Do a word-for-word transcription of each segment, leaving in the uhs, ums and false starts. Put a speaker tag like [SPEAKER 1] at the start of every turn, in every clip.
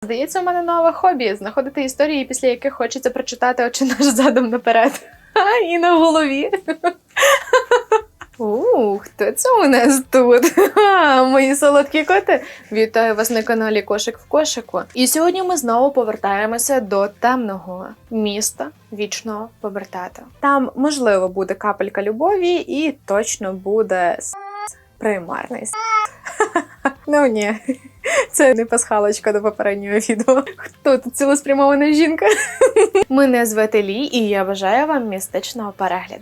[SPEAKER 1] Здається, у мене нове хобі – знаходити історії, після яких хочеться прочитати «Отче наш» задом наперед. І на голові. Ух, хто це у нас тут? Ха, мої солодкі коти. Вітаю вас на каналі Кошик в кошику. І сьогодні ми знову повертаємося до темного міста вічного повертата. Там, можливо, буде капелька любові і точно буде с**, примарний с**. Ну ні, це не пасхалочка до попереднього відео. Хто тут цілеспрямована жінка? Мене звати Лі, і я бажаю вам містичного перегляду.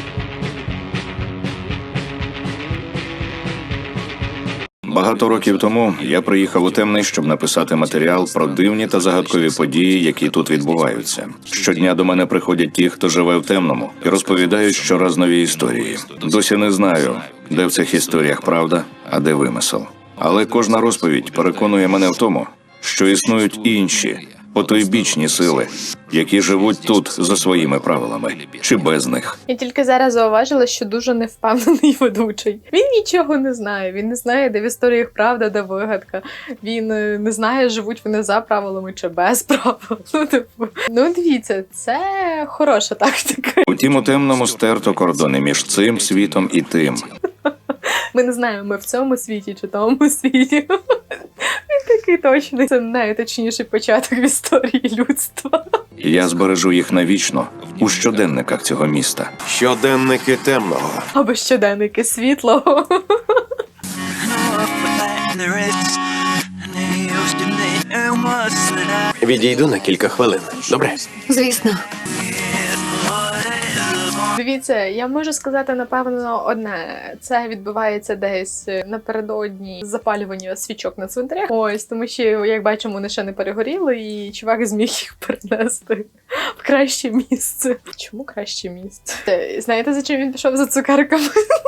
[SPEAKER 2] Багато років тому я приїхав у Темний, щоб написати матеріал про дивні та загадкові події, які тут відбуваються. Щодня до мене приходять ті, хто живе в Темному, і розповідають щораз нові історії. Досі не знаю, де в цих історіях правда, а де вимисел. Але кожна розповідь переконує мене в тому, що існують інші, потойбічні сили, які живуть тут за своїми правилами, чи без них.
[SPEAKER 1] Я тільки зараз зауважила, що дуже невпевнений ведучий. Він нічого не знає, він не знає, де в історіях правда, де вигадка. Він не знає, живуть вони за правилами чи без правил. Ну, типу, ну дивіться, це хороша тактика.
[SPEAKER 2] Утім, у Темному стерто кордони між цим світом і тим.
[SPEAKER 1] Ми не знаємо, ми в цьому світі чи тому світі. Він такий точний. Це найточніший початок в історії людства.
[SPEAKER 2] Я збережу їх навічно у щоденниках цього міста.
[SPEAKER 3] Щоденники Темного.
[SPEAKER 1] Або щоденники світлого.
[SPEAKER 3] Відійду на кілька хвилин. Добре?
[SPEAKER 4] Звісно.
[SPEAKER 1] Дивіться, я можу сказати, напевно, одне. Це відбувається десь напередодні запалювання свічок на цвинтарях. Ось, тому що, як бачимо, вони ще не перегоріли, і чувак зміг їх перенести в краще місце. Чому краще місце? Знаєте, за чим він пішов? За цукерками?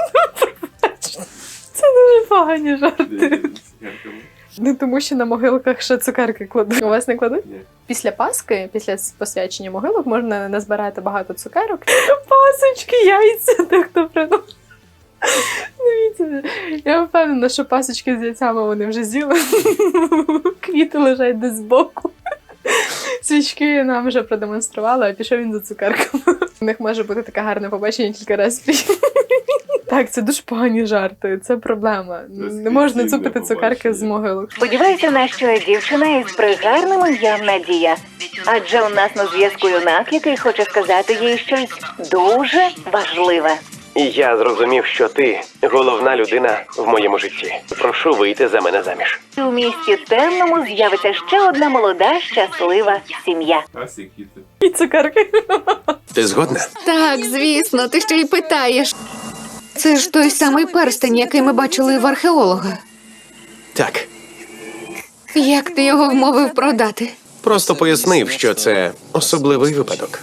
[SPEAKER 1] Це дуже погані жарти. Не тому, що на могилках ще цукерки кладуть. У вас не кладуть? Ні. Після Пасхи, після посвячення могилок, можна назбирати багато цукерок. Пасочки, яйця, так хто приносить. Дивіться, я впевнена, що пасочки з яйцями вони вже з'їли. Квіти лежать десь збоку. Свічки нам вже продемонстрували, а пішов він за цукерками. У них може бути таке гарне побачення кілька разів. Так, це дуже погані жарти, це проблема. Не можна цупити цукерки з могилок.
[SPEAKER 4] Сподіваюся, на що дівчина із пригарним ім'ям Надія. Адже у нас на зв'язку юнак, який хоче сказати їй щось дуже важливе.
[SPEAKER 3] Я зрозумів, що ти головна людина в моєму житті. Прошу вийти за мене заміж.
[SPEAKER 4] У місті Темному з'явиться ще одна молода, щаслива сім'я.
[SPEAKER 1] І цукерки.
[SPEAKER 3] Ти згодна?
[SPEAKER 5] Так, звісно, ти ще й питаєш. Це ж той самий перстень, який ми бачили в археолога.
[SPEAKER 3] Так.
[SPEAKER 5] Як ти його вмовив продати?
[SPEAKER 3] Просто пояснив, що це особливий випадок.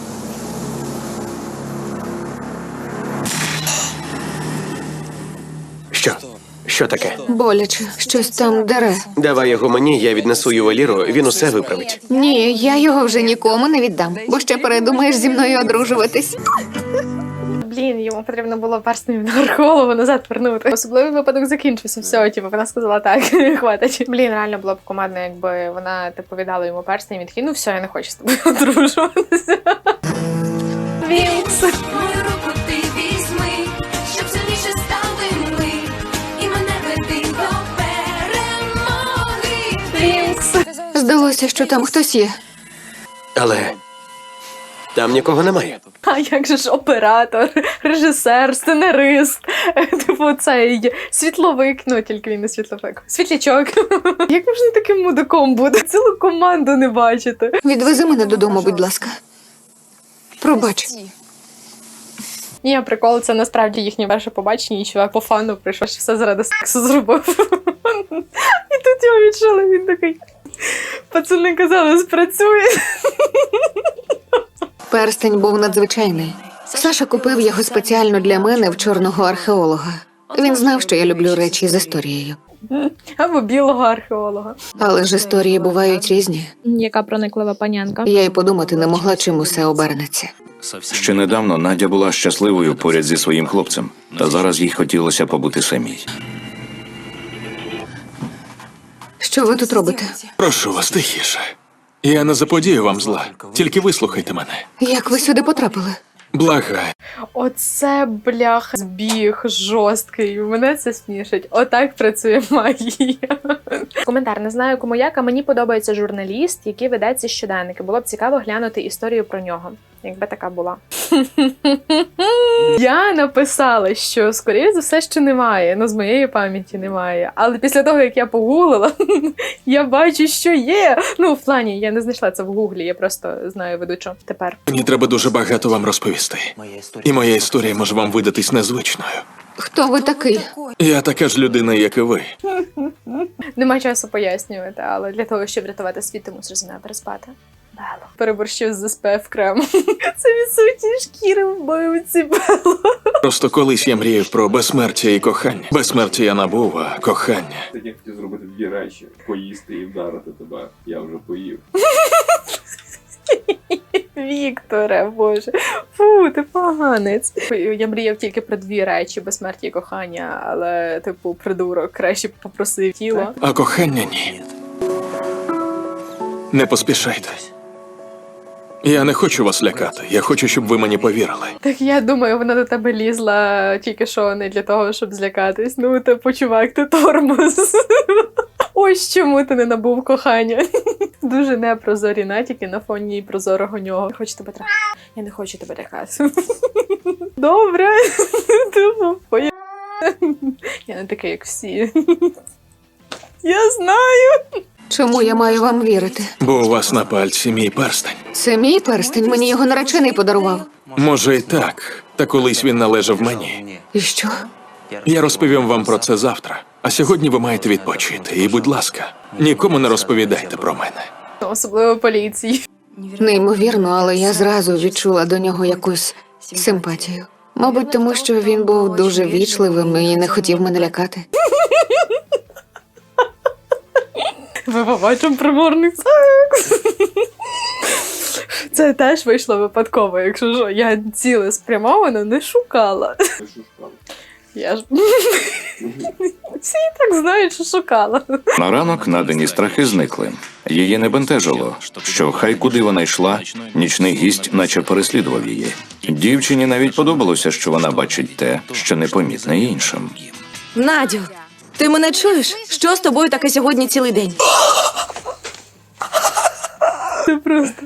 [SPEAKER 3] Що? Що таке?
[SPEAKER 5] Боляче, щось там дере.
[SPEAKER 3] Давай його мені, я віднесу ювеліру, він усе виправить.
[SPEAKER 5] Ні, я його вже нікому не віддам, бо ще передумаєш зі мною одружуватись.
[SPEAKER 1] Блін, йому потрібно було перстень на археолога назад вернути. Особливий випадок закінчився. Все, типу, вона сказала так, хватить. Блін, реально було б командно, якби вона типу віддала йому перстень, і він такий, ну все, я не хочу з тобою одружуватися. Вінкс.
[SPEAKER 6] Мою руку ти візьми, щоб сильніше стали ми, і мене веди до перемоги.
[SPEAKER 1] Вінкс.
[SPEAKER 5] Здалося, що там хтось є.
[SPEAKER 3] Але там нікого немає.
[SPEAKER 1] А як же ж оператор, режисер, сценарист, типу цей світловик, ну тільки він не світловик, світлячок. Як можна таким мудаком бути? Цілу команду не бачити.
[SPEAKER 5] Відвези мене додому, будь ласка. Пробач.
[SPEAKER 1] Ні, прикол, це насправді їхнє перше побачення, і чувак по фану прийшов, що все заради сексу зробив. І тут його відчули, він такий, пацани казали, спрацює.
[SPEAKER 5] Перстень був надзвичайний. Саша купив його спеціально для мене в чорного археолога. Він знав, що я люблю речі з історією.
[SPEAKER 1] Або білого археолога.
[SPEAKER 5] Але ж історії бувають різні.
[SPEAKER 1] Яка прониклива панянка.
[SPEAKER 5] Я й подумати не могла, чим усе обернеться.
[SPEAKER 2] Ще недавно Надя була щасливою поряд зі своїм хлопцем, та зараз їй хотілося побути самій.
[SPEAKER 5] Що ви тут робите?
[SPEAKER 7] Прошу вас, тихіше. Я не заподію вам зла. Тільки вислухайте мене.
[SPEAKER 5] Як ви сюди потрапили?
[SPEAKER 7] Благаю.
[SPEAKER 1] Оце, бляха, збіг жорсткий. Мене це смішить. Отак працює магія. Коментар. Не знаю, кому як, а мені подобається журналіст, який веде ці щоденники. Було б цікаво глянути історію про нього. Якби така була. Я написала, що, скоріше за все, що немає. Ну, з моєї пам'яті немає. Але після того, як я погуглила, я бачу, що є. Ну, в плані, я не знайшла це в гуглі, я просто знаю ведучу тепер.
[SPEAKER 7] Мені треба дуже багато вам розповісти. І моя історія може вам видатись незвичною.
[SPEAKER 5] Хто ви такий?
[SPEAKER 7] Я така ж людина, як і ви.
[SPEAKER 1] Нема часу пояснювати, але для того, щоб врятувати світ, ти мусиш зі мною переспати. Бело. Переборщив з ес пе еф кремом. Це відсутні шкіри в бойці, Бело.
[SPEAKER 7] Просто колись я мріяв про безсмертя і кохання. Безсмертя я набув, а кохання.
[SPEAKER 8] Так я хотів зробити дві речі: поїсти і вдарити тебе. Я вже поїв.
[SPEAKER 1] Вікторе, боже. Фу, ти поганець. Я мріяв тільки про дві речі: безсмертя і кохання, але, типу, придурок, краще попросив тіло.
[SPEAKER 7] А кохання ні. Не поспішайте. Я не хочу вас лякати. Я хочу, щоб ви мені повірили.
[SPEAKER 1] Так я думаю, вона до тебе лізла тільки що не для того, щоб злякатись. Ну, типу, чувак, ти тормоз. Ось чому ти не набув кохання. Дуже непрозорі натяки на фоні прозорого нього. Хочу тебе трахати. Я не хочу тебе лякати. Добре. Типу, поє... Я не такий, як всі. Я знаю.
[SPEAKER 5] Чому я маю вам вірити?
[SPEAKER 7] Бо у вас на пальці мій перстень.
[SPEAKER 5] Це мій перстень, мені його наречений подарував.
[SPEAKER 7] Може і так, та колись він належав мені.
[SPEAKER 5] І що?
[SPEAKER 7] Я розповім вам про це завтра. А сьогодні ви маєте відпочити. І, будь ласка, нікому не розповідайте про мене.
[SPEAKER 1] Особливо поліції.
[SPEAKER 5] Неймовірно, але я зразу відчула до нього якусь симпатію. Мабуть, тому що він був дуже вічливим і не хотів мене лякати.
[SPEAKER 1] Ми побачимо приморний секс. Це теж вийшло випадково, якщо що. Я цілеспрямовано не шукала. Я ж... Всі і так знають, що шукала.
[SPEAKER 2] На ранок надані страхи зникли. Її не бентежило, що хай куди вона йшла, нічний гість наче переслідував її. Дівчині навіть подобалося, що вона бачить те, що непомітне іншим.
[SPEAKER 9] Надю, ти мене чуєш? Що з тобою таке сьогодні цілий день?
[SPEAKER 1] Це просто...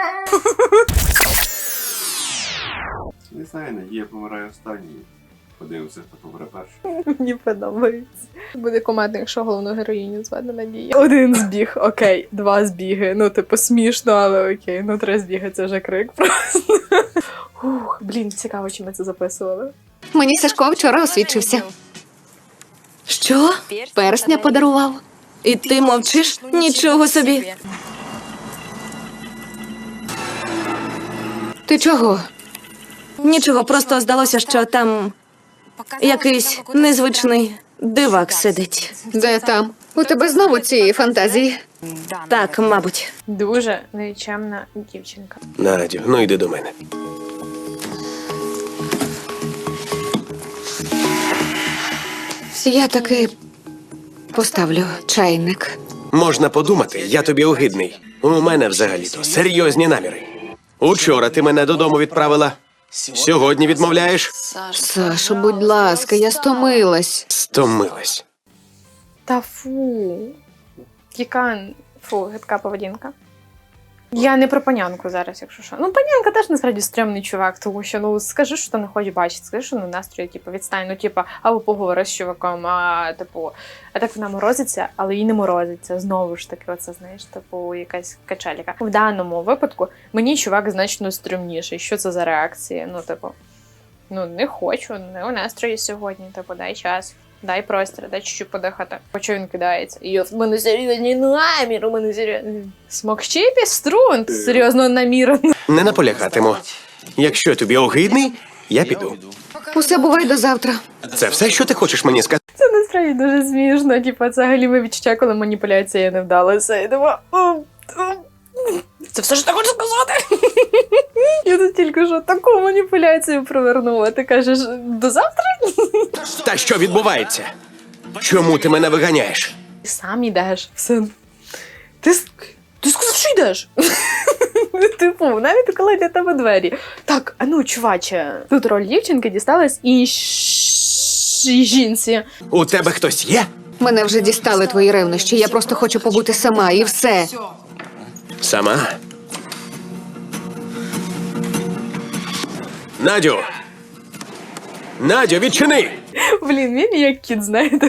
[SPEAKER 8] Не знаю, Надія помирає останньою. Подивимося, хто помре перший.
[SPEAKER 1] Мені подобається. Буде комедно, якщо головну героїню звати Надія. Один збіг, окей, два збіги. Ну, типу, смішно, але окей. Ну, три збіги – це вже крик просто. Ух, блін, цікаво, чи ми це записували.
[SPEAKER 5] Мені Сашко вчора освідчився.
[SPEAKER 9] Що?
[SPEAKER 5] Персня подарував.
[SPEAKER 9] І ти мовчиш? Нічого собі.
[SPEAKER 5] Ти чого?
[SPEAKER 9] Нічого, просто здалося, що там якийсь незвичний дивак сидить.
[SPEAKER 5] Де там? У тебе знову ці фантазії?
[SPEAKER 9] Так, мабуть.
[SPEAKER 1] Дуже нечемна дівчинка.
[SPEAKER 3] Надю, ну йди до мене.
[SPEAKER 5] Я таки поставлю чайник.
[SPEAKER 3] Можна подумати, я тобі огидний. У мене взагалі-то серйозні наміри. Учора ти мене додому відправила. Сьогодні відмовляєш?
[SPEAKER 5] Сашо, будь ласка, я стомилась.
[SPEAKER 3] Стомилась.
[SPEAKER 1] Та фу. Яка, фу, гидка поведінка. Я не про панянку зараз, якщо що. Ну, панянка теж насправді стрьомний чувак, тому що, ну, скажи, що ти не хочеш бачити, скажи, що ну, настрій, типу, відстань, ну, типу, або поговори з чуваком, а, типу, а так вона морозиться, але їй не морозиться, знову ж таки, оце, знаєш, типу, якась качеліка. В даному випадку мені чувак значно стрьомніший. Що це за реакція? Ну, типу, ну, не хочу, не у настрої сьогодні, типу, дай час. Дай простір, дай чуть-чуть подихати. Почу він кидається. Йо, в мене серйозні намір, у мене серйозні... Смокчи піструн, серйозно намір.
[SPEAKER 3] Не наполягатиму. Якщо тобі огидний, я піду.
[SPEAKER 5] Усе бувай до завтра.
[SPEAKER 3] Це все, що ти хочеш мені сказати?
[SPEAKER 1] Це насправді дуже смішно. Типу, це галіме відчуття, коли маніпуляція не вдалася. Я думаю, це все, що ти хочеш сказати? Я тут тільки що таку маніпуляцію провернула. Ти кажеш, до завтра?
[SPEAKER 3] Та що відбувається? Чому ти мене виганяєш?
[SPEAKER 1] Ти сам йдеш. Все. Ти, с- ти сказав, що йдеш? Типу, навіть коли для тебе двері. Так, а ну, чуваче, тут роль дівчинки дісталась іншій жінці.
[SPEAKER 3] У тебе хтось є?
[SPEAKER 5] Мене вже дістали твої ревнощі. Я просто хочу побути сама, і все.
[SPEAKER 3] Сама? Надю! Надю, відчини!
[SPEAKER 1] Блін, він як кіт, знаєте.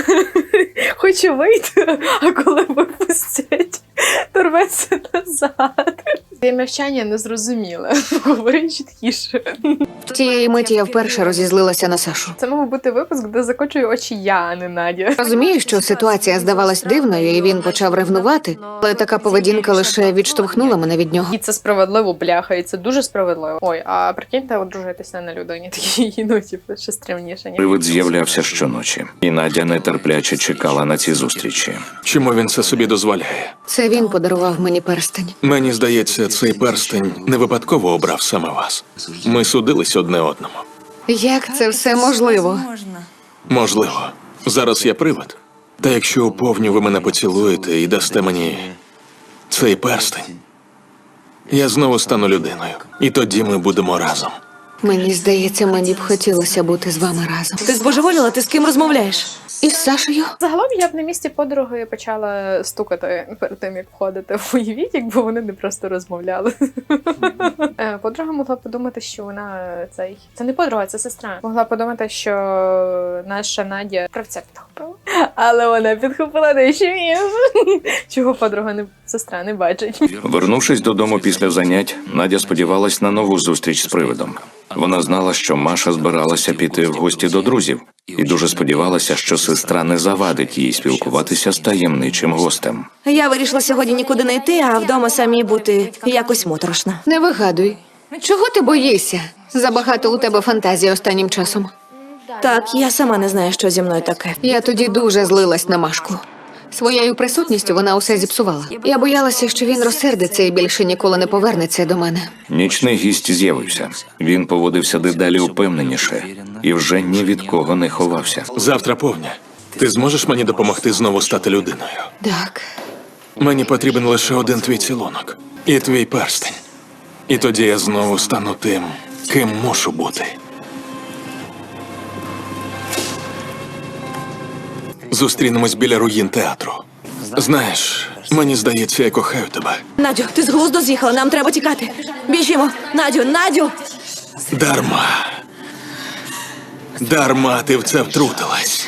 [SPEAKER 1] Хоче вийти, а коли випустять, то рветься назад. Я мовчання не зрозуміла. Говори чіткіше.
[SPEAKER 5] Тієї миті я вперше розізлилася на Сашу.
[SPEAKER 1] Це мав бути випуск, де закочую очі я, а не Надя.
[SPEAKER 5] Розумію, що ситуація здавалась дивною, і він почав ревнувати, але така поведінка лише відштовхнула мене від нього.
[SPEAKER 1] І це справедливо, бляха, і це дуже справедливо. Ой, а прикиньте, одружитися на людині такій, ну, типу, ще стрімніше. Ні?
[SPEAKER 2] Привид з'являвся щоночі, і Надя нетерпляче чекала на ці зустрічі.
[SPEAKER 7] Чому він це собі дозволяє?
[SPEAKER 5] Це він подарував мені перстень.
[SPEAKER 7] Мені здається, цей перстень не випадково обрав саме вас. Ми судились одне одному.
[SPEAKER 5] Як це все можливо?
[SPEAKER 7] Можливо. Зараз я привид. Та якщо уповню ви мене поцілуєте і дасте мені цей перстень, я знову стану людиною. І тоді ми будемо разом.
[SPEAKER 5] Мені здається, мені б хотілося бути з вами разом.
[SPEAKER 9] Ти збожеволіла? Ти з ким розмовляєш?
[SPEAKER 5] І з Сашею?
[SPEAKER 1] Загалом я б на місці подруги почала стукати перед тим, як входити в уявіть, якби вони не просто розмовляли. Е, Подруга могла подумати, що вона цей... Це не подруга, це сестра. Могла подумати, що наша Надя кравця підхопила. Але вона підхопила дещо інше. Чого подруга не сестра не бачить.
[SPEAKER 2] Вернувшись додому після занять, Надя сподівалась на нову зустріч з привидом. Вона знала, що Маша збиралася піти в гості до друзів, і дуже сподівалася, що сестра не завадить їй спілкуватися з таємничим гостем.
[SPEAKER 9] Я вирішила сьогодні нікуди не йти, а вдома самій бути якось моторошно.
[SPEAKER 5] Не вигадуй. Чого ти боїшся? Забагато у тебе фантазії останнім часом.
[SPEAKER 9] Так, я сама не знаю, що зі мною таке.
[SPEAKER 5] Я тоді дуже злилась на Машку. Своєю присутністю вона усе зіпсувала. Я боялася, що він розсердиться і більше ніколи не повернеться до мене.
[SPEAKER 2] Нічний гість з'явився. Він поводився дедалі упевненіше і вже ні від кого не ховався.
[SPEAKER 7] Завтра повня. Ти зможеш мені допомогти знову стати людиною?
[SPEAKER 5] Так.
[SPEAKER 7] Мені потрібен лише один твій цілунок. І твій перстень. І тоді я знову стану тим, ким мушу бути. Зустрінемось біля руїн театру. Знаєш, мені здається, я кохаю тебе.
[SPEAKER 9] Надю, ти з глузду з'їхала, нам треба тікати. Біжімо. Надю, Надю!
[SPEAKER 7] Дарма. Дарма ти в це втрутилась.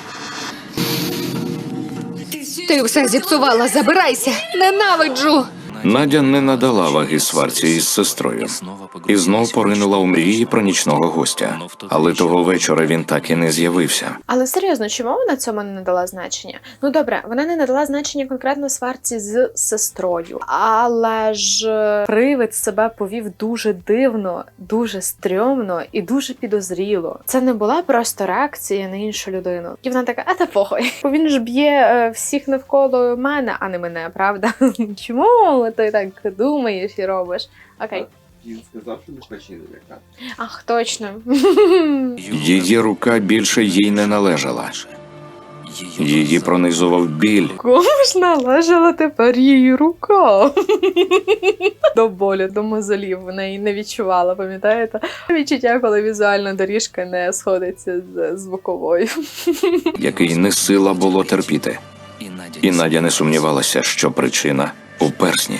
[SPEAKER 5] Ти все зіпсувала, забирайся! Ненавиджу!
[SPEAKER 2] Надя не надала ваги сварці із сестрою і знов поринула у мрії про нічного гостя. Але того вечора він так і не з'явився.
[SPEAKER 1] Але серйозно, чому вона цьому не надала значення? Ну добре, вона не надала значення конкретно сварці з сестрою, але ж привид себе повів дуже дивно, дуже стрьомно і дуже підозріло. Це не була просто реакція на іншу людину. І вона така, а та похуй. Бо він ж б'є е, всіх навколо мене, а не мене, правда? Чому ти так думаєш і робиш? Окей.
[SPEAKER 8] Він сказав, що не хоче налякати.
[SPEAKER 1] Ах, точно.
[SPEAKER 2] Її рука більше їй не належала. Її пронизував біль.
[SPEAKER 1] Кому ж належала тепер її рука? До болю, до мозолів вона її не відчувала, пам'ятаєте? Відчуття, коли візуальна доріжка не сходиться з звуковою.
[SPEAKER 2] Який не сила було терпіти. І Надя не сумнівалася, що причина у персні.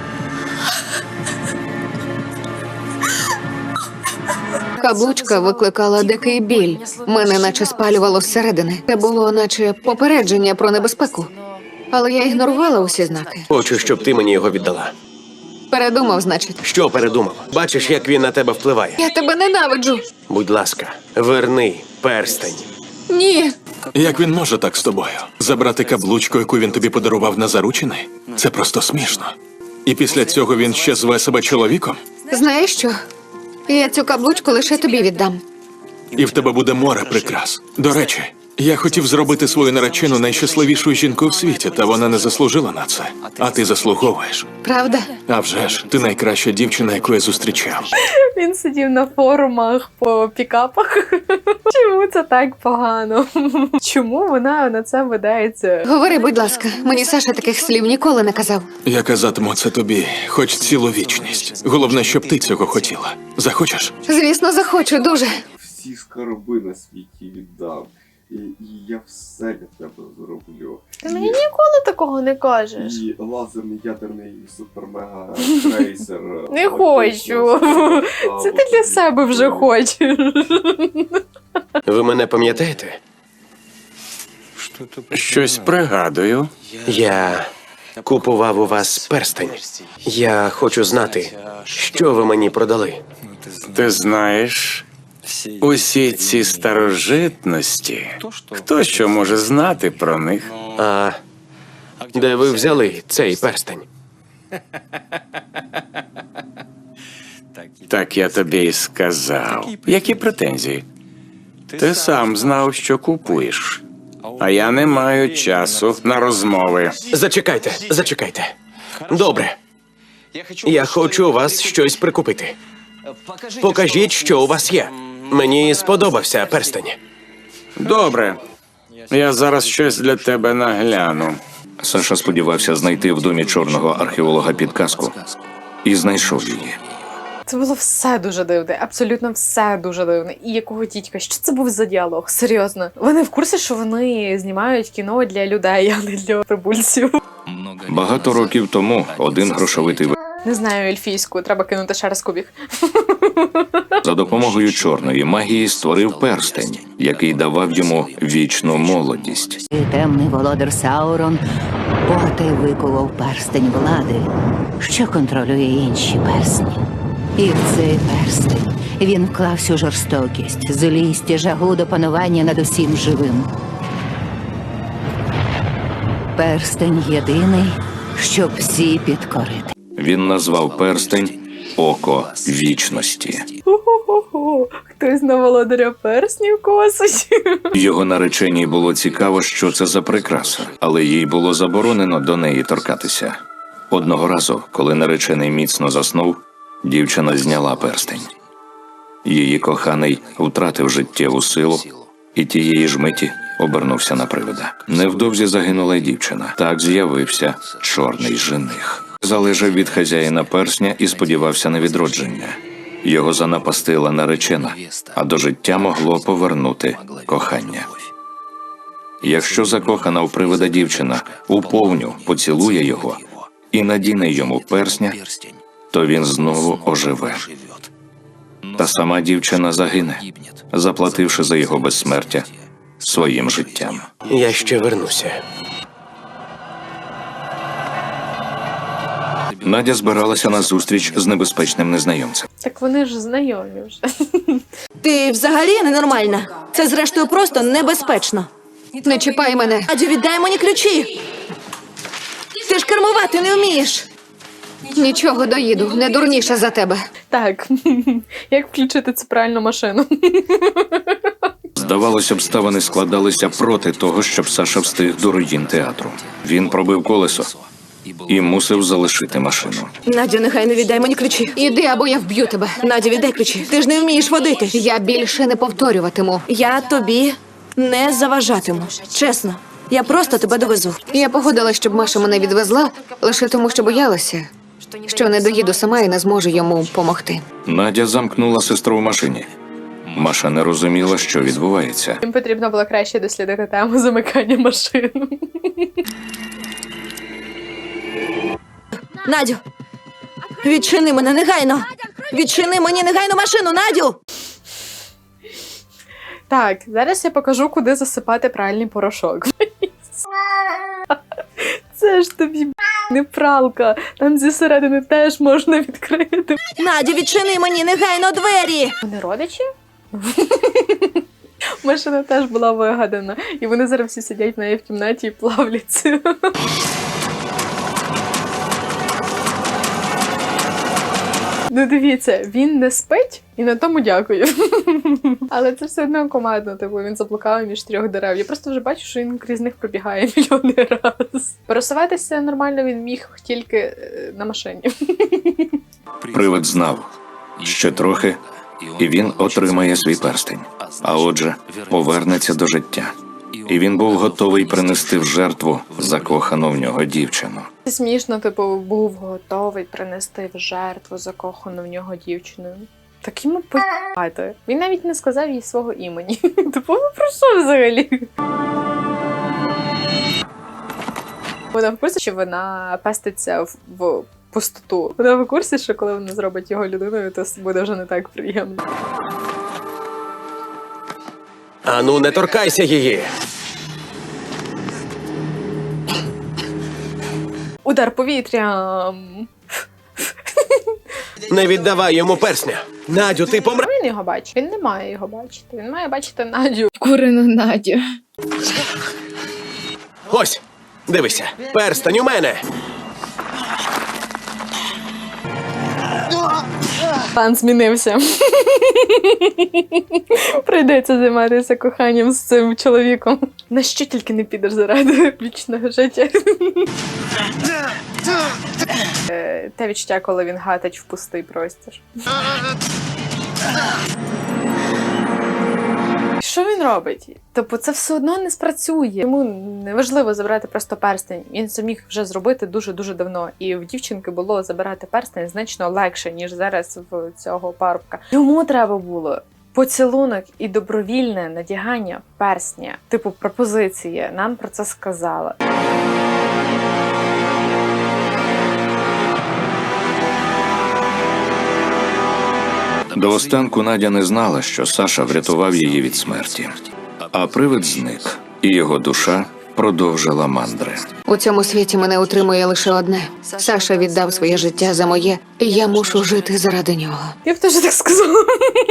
[SPEAKER 5] Каблучка викликала дикий біль. Мене наче спалювало зсередини. Це було наче попередження про небезпеку. Але я ігнорувала усі знаки.
[SPEAKER 3] Хочу, щоб ти мені його віддала.
[SPEAKER 5] Передумав, значить.
[SPEAKER 3] Що передумав? Бачиш, як він на тебе впливає?
[SPEAKER 5] Я тебе ненавиджу.
[SPEAKER 3] Будь ласка, верни перстень.
[SPEAKER 5] Ні.
[SPEAKER 7] Як він може так з тобою? Забрати каблучку, яку він тобі подарував на заручини? Це просто смішно. І після цього він ще зве себе чоловіком?
[SPEAKER 5] Знаєш що? Я цю каблучку лише тобі віддам.
[SPEAKER 7] І в тебе буде море прикрас. До речі, Я хотів зробити свою наречену найщасливішою жінкою в світі, та вона не заслужила на це. А ти заслуговуєш.
[SPEAKER 5] Правда?
[SPEAKER 7] А вже ж, ти найкраща дівчина, яку я зустрічав.
[SPEAKER 1] Він сидів на форумах по пікапах. Чому це так погано? Чому вона на це видається?
[SPEAKER 5] Говори, будь ласка, мені Саша таких слів ніколи не казав.
[SPEAKER 7] Я казатиму це тобі, хоч цілу вічність. Головне, щоб ти цього хотіла. Захочеш?
[SPEAKER 5] Звісно, захочу дуже.
[SPEAKER 8] Всі скарби на світі віддам. І, і я все для тебе зроблю.
[SPEAKER 1] Ти мені ніколи такого не кажеш.
[SPEAKER 8] І лазерний ядерний супер-мега крейсер.
[SPEAKER 1] Не хочу. Це ти для себе вже хочеш.
[SPEAKER 3] Ви мене пам'ятаєте?
[SPEAKER 10] Щось пригадую.
[SPEAKER 3] Я купував у вас перстень. Я хочу знати, що ви мені продали.
[SPEAKER 10] Ти знаєш, усі ці старожитності, хто що може знати про них?
[SPEAKER 3] А де ви взяли цей перстень?
[SPEAKER 10] Так я тобі й сказав. Які претензії? Ти сам знав, що купуєш. А я не маю часу на розмови.
[SPEAKER 3] Зачекайте, зачекайте. Добре. Я хочу у вас щось прикупити. Покажіть, що у вас є. Мені сподобався перстень.
[SPEAKER 10] Добре. Я зараз щось для тебе нагляну.
[SPEAKER 2] Саша сподівався знайти в домі чорного археолога підказку. І знайшов її.
[SPEAKER 1] Це було все дуже дивне, абсолютно все дуже дивне. І якого тітька, що це був за діалог? Серйозно. Вони в курсі, що вони знімають кіно для людей, а не для прибульців.
[SPEAKER 2] Багато років тому один грошовитий в...
[SPEAKER 1] Не знаю ельфійську, треба кинути ще раз кубік.
[SPEAKER 2] за допомогою чорної магії створив перстень, який давав йому вічну молодість.
[SPEAKER 11] Темний володар Саурон поти викував перстень влади, що контролює інші персні. І в цей перстень він вклав всю жорстокість, злість і жагу до панування над усім живим. Перстень єдиний, щоб всі підкорити.
[SPEAKER 2] Він назвав перстень «Око вічності».
[SPEAKER 1] Хо-хо-хо, хтось на володаря перснів косить.
[SPEAKER 2] Його нареченій було цікаво, що це за прикраса, але їй було заборонено до неї торкатися. Одного разу, коли наречений міцно заснув, дівчина зняла перстень. Її коханий втратив життєву силу і тієї ж миті обернувся на привида. Невдовзі загинула й дівчина. Так з'явився чорний жених. Залежав від хазяїна персня і сподівався на відродження. Його занапастила наречена, а до життя могло повернути кохання. Якщо закохана в привида дівчина уповню поцілує його і надіне йому персня, то він знову оживе. Та сама дівчина загине, заплативши за його безсмертя своїм життям.
[SPEAKER 3] Я ще вернуся.
[SPEAKER 2] Надя збиралася на зустріч з небезпечним незнайомцем.
[SPEAKER 1] Так вони ж знайомі вже.
[SPEAKER 9] Ти взагалі ненормальна. Це, зрештою, просто небезпечно.
[SPEAKER 5] Не чіпай мене.
[SPEAKER 9] Адже віддай мені ключі. Ти ж кермувати не вмієш.
[SPEAKER 5] Нічого, доїду, не дурніша за тебе.
[SPEAKER 1] Так, як включити цю пральну машину?
[SPEAKER 2] Здавалося, обставини складалися проти того, щоб Саша встиг до руїн театру. Він пробив колесо і мусив залишити машину.
[SPEAKER 9] Надю, нехай не віддай мені ключі.
[SPEAKER 5] Іди, або я вб'ю тебе.
[SPEAKER 9] Надю, віддай ключі. Ти ж не вмієш водити.
[SPEAKER 5] Я більше не повторюватиму.
[SPEAKER 9] Я тобі не заважатиму. Чесно. Я просто тебе довезу.
[SPEAKER 5] Я погодилась, щоб Маша мене відвезла, лише тому, що боялася, що не доїду сама і не зможу йому помогти.
[SPEAKER 2] Надя замкнула сестру в машині. Маша не розуміла, що відбувається.
[SPEAKER 1] Їм потрібно було краще дослідити тему замикання машин.
[SPEAKER 9] Надю, відчини мене негайно. Відчини мені негайно машину, Надю!
[SPEAKER 1] Так, зараз я покажу, куди засипати пральний порошок. Це ж тобі не пралка. Там зі середини теж можна відкрити.
[SPEAKER 9] Надю, відчини мені негайно двері!
[SPEAKER 1] Вони родичі? Машина теж була вигадана. І вони зараз всі сидять в неї в кімнаті і плавляться. Ну дивіться, він не спить і на тому дякую. Але це все одно командно, типу він заблукав між трьох дерев. Я просто вже бачу, що він крізь них пробігає мільйони раз. Пересуватися нормально він міг тільки е, на машині.
[SPEAKER 2] Привид знав, ще трохи, і він отримає свій перстень. А отже, повернеться до життя. І він був готовий принести в жертву закохану в нього дівчину.
[SPEAKER 1] Це смішно, типу, був готовий принести в жертву закохану в нього дівчину. Так йому по***ти. Він навіть не сказав їй свого імені. Типу, ну про що взагалі? Вона в курсі, що вона пеститься в, в пустоту. Вона в курсі, що коли вона зробить його людиною, то буде вже не так приємно.
[SPEAKER 3] Ану, не торкайся її.
[SPEAKER 1] Удар повітрям.
[SPEAKER 3] Не віддавай йому персня. Надю, ти помре.
[SPEAKER 1] Він його бачить. Він не має його бачити. Він має бачити Надю.
[SPEAKER 5] Курину Надю.
[SPEAKER 3] Ось, дивися, перстень у мене.
[SPEAKER 1] План змінився. Прийдеться займатися коханням з цим чоловіком. На що тільки не підеш заради вічного життя. Е, Те відчуття, коли він гатить в пустий простір. Що він робить? Тобто це все одно не спрацює. Йому неважливо забирати просто перстень. Він це міг вже зробити дуже-дуже давно. І в дівчинки було забирати перстень значно легше, ніж зараз в цього парубка. Йому треба було поцілунок і добровільне надягання перстня. Типу пропозиції. Нам про це сказали.
[SPEAKER 2] До останку Надя не знала, що Саша врятував її від смерті. А привид зник, і його душа продовжила мандри.
[SPEAKER 5] У цьому світі мене утримує лише одне. Саша віддав своє життя за моє, і я мушу жити заради нього.
[SPEAKER 1] Я б теж так сказала.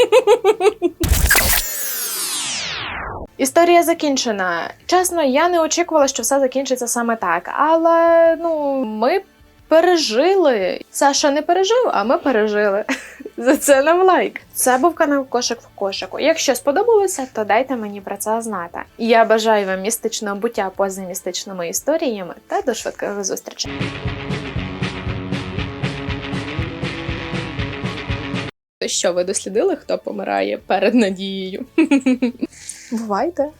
[SPEAKER 1] Історія закінчена. Чесно, я не очікувала, що все закінчиться саме так. Але, ну, ми пережили. Саша не пережив, а ми пережили. За це нам лайк. Це був канал Кошик в кошику. Якщо сподобалося, то дайте мені про це знати. Я бажаю вам містичного буття поза містичними історіями та до швидких зустрічей. Що, ви дослідили, хто помирає перед Надією? Бувайте.